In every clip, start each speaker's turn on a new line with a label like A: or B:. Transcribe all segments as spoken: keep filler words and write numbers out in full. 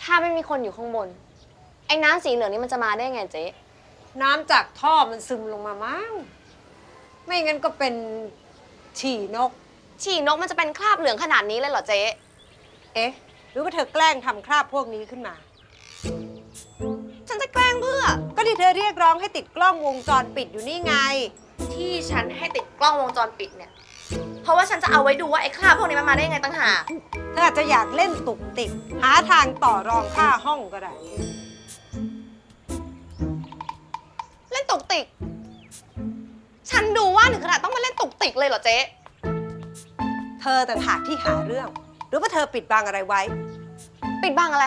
A: ถ้าไม่มีคนอยู่ข้างบนไอ้น้ำสีเหลืองนี่มันจะมาได้ไงเจ๊
B: น้ำจากท่อมันซึมลงมามั้งไม่งั้นก็เป็นฉี่นก
A: ฉี่นกมันจะเป็นคราบเหลืองขนาดนี้เลยเหรอเจ๊
B: เอ๊ะหรือว่าเธอแกล้งทำคราบพวกนี้ขึ้นมา
A: ฉันจะแกล้งเพื่อ
B: ก็ที่เธอเรียกร้องให้ติดกล้องวงจรปิดอยู่นี่ไง
A: ที่ฉันให้ติดกล้องวงจรปิดเนี่ยเพราะว่าฉันจะเอาไว้ดูว่าไอ้คราบพวกนี้มันมาได้ยังไงตั้งหาก
B: เธออาจจะอยากเล่นตุกติกหาทางต่อรองค่าห้องก็ได้
A: เล่นตุกติกฉันดูว่าถึงขนาดต้องมาเล่นตุกติกเลยเหรอเจ๊
B: เธอต่างหากที่หาเรื่องหรือว่าเธอปิดบังอะไรไว้
A: ปิดบังอะไร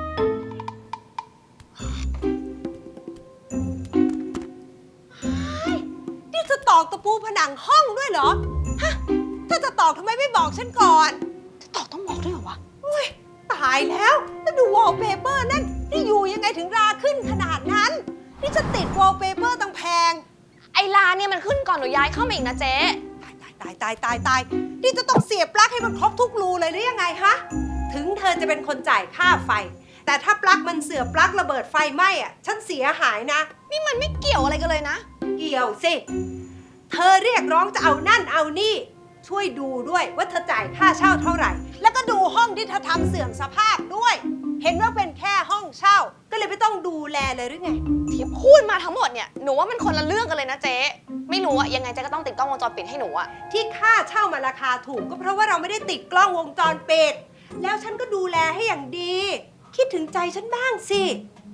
B: นี่จะตอกตะปูผนังห้องด้วยเหรอฮะถ้าจะตอกทำไมไม่บอกฉันก่อน
A: จะตอกต้องบอกด้วยเหรอวะ
B: อุ้ยตายแล้วแล้วดูวอลเปเปอร์นั่นนี่อยู่ยังไงถึงราขึ้นขนาดนั้นนี่จะติดวอลเปเปอร์ตั้งแพง
A: ไอ้ลาเนี่ยมันขึ้นก่อนหนูย้ายเข้ามาอีกนะเจ๊
B: ตายตายตายตายตายนี่จะต้องเสียบปลั๊กให้มันครบทุกรูเลยหรือยังไงฮะถึงเธอจะเป็นคนจ่ายค่าไฟแต่ถ้าปลั๊กมันเสื่อมปลั๊กระเบิดไฟไหม้อ่ะฉันเสียหายนะ
A: นี่มันไม่เกี่ยวอะไรกันเลยนะ
B: เกี่ยวสิเธอเรียกร้องจะเอานั่นเอานี่ช่วยดูด้วยว่าเธอจ่ายค่าเช่าเท่าไหร่แล้วก็ดูห้องที่เธอทำเสื่อมสภาพด้วยเห็นว่าเป็นแค่ห้องเช่าก็เลยไม่ต้องดูแลเลยหรือไง
A: ที่พูดมาทั้งหมดเนี่ยหนูว่ามันคนละเรื่องกันเลยนะเจ๊ไม่รู้อะยังไงเจ๊ก็ต้องติดกล้องวงจรปิดให้หนูอะ
B: ที่ค่าเช่ามาราคาถูกก็เพราะว่าเราไม่ได้ติดกล้องวงจรปิดแล้วฉันก็ดูแลให้อย่างดีคิดถึงใจฉันบ้างสิ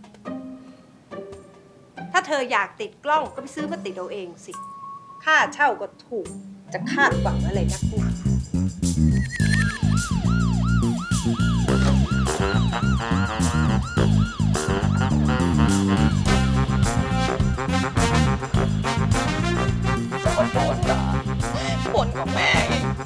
B: ถ้าเธออยากติดกล้องก็ไปซื้อมาติดเอาเองสิค่าเช่าก็ถูกจะคาดหวังอะไรนักหนา
A: บ่นกับแม่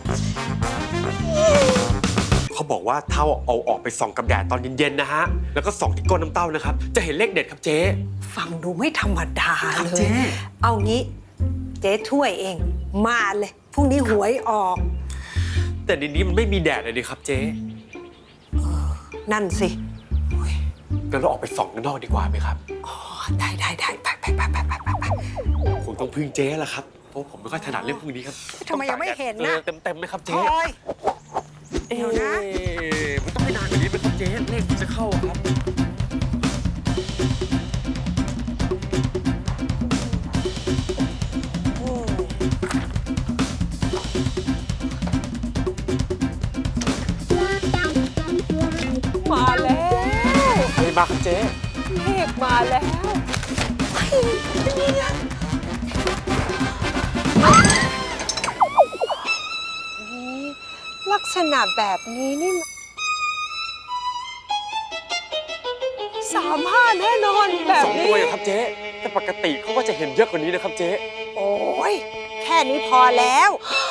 C: เขาบอกว่าเท่าเอาออกไปส่องกับแดดตอนเย็นๆนะฮะแล้วก็ส่องที่ก้นน้ำเต้านะครับจะเห็นเลขเด็ดครับเจ๊
B: ฟังดูไม่ธรรมดาเลยเอางี้เจ๊ช่วยเองมาเลยพรุ่งนี้หวยออก
C: แต่ในนี้มันไม่มีแดดเลยดิครับเจ๊
B: นั่นสิ
C: งั้นเราออกไปส่องกันนอกดีกว่าไหมครับ
B: อ๋อได้ได้ได้ไปไปไปไปไปไป
C: คงต้องพึ่งเจ๊แหละครับเพราะผมไม่ค่อยถนัดเรื่องพวกนี้ครับ
B: ทำไมยังไม่เห็นนะ
C: เต็มเต็มไหมครับเจ๊
B: เดี๋ยวนะ
C: มันต้องไม่นานกว่านี้ไหมครับเจ๊เลขจะเข้าครับ
B: มาแล้ว
C: อะไรมาครับเจ๊
B: เลขมาแล้วนี่ลักษณะแบบนี้นี่สามห้าแน่นอนแบบนี้
C: สองตัวอย่างครับเจ๊แต่ปกติเขาว่าจะเห็นเยอะกว่านี้นะครับเจ๊
B: โอ้ยแค่นี้พอแล้ว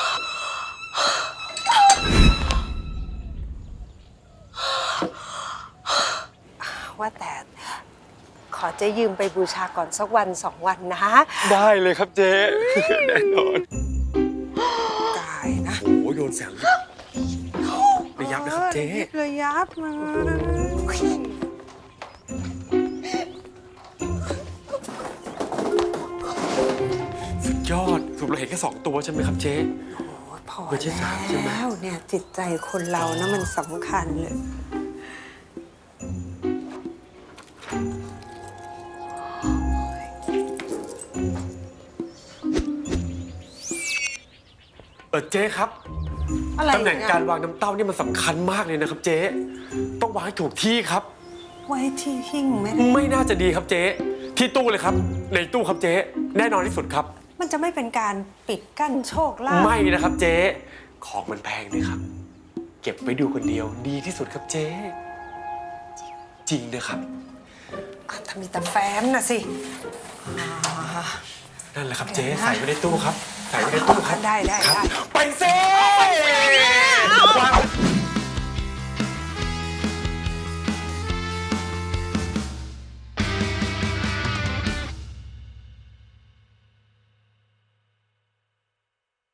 B: ว่าแต่ขอเจ๊ยืมไปบูชาก่อนสักวันสองวันนะ
C: ได้เลยครับเจ๊แน่นอน
B: ตายนะ
C: โอ้โดนแสงระยับนะครับเจ๊
B: ระยับมา
C: สุดยอดสุดเราเห็นแค่สองตัวใช่ไหมครับเจ๊
B: พอแล้วเนี่ยจิตใจคนเรานะมันสำคัญเลย
C: เออเจ๊ครับตำแหน่งการวางน้ำเต้านี่มันสำคัญมากเลยนะครับเจ๊ต้องวางให้ถูกที่ครับ
B: ไว้ที่หิ้งไม่
C: ไม่น่าจะดีครับเจ๊ที่ตู้เลยครับในตู้ครับเจ๊แน่นอนที่สุดครับ
B: มันจะไม่เป็นการปิดกั้นโชคลาภ
C: ไม่นะครับเจ๊ของมันแพงเลยครับเก็บไว้ดูคนเดียวดีที่สุดครับเจ๊จริงนะครับ
B: ถ้ามีแต่แฟ้มนะสิ
C: นั่นแหละครับเจ๊ใส่ไว้ในตู้ครับใส่ไว้ในตู้ครับ
B: ได้ได้ได้
C: ไปเซ่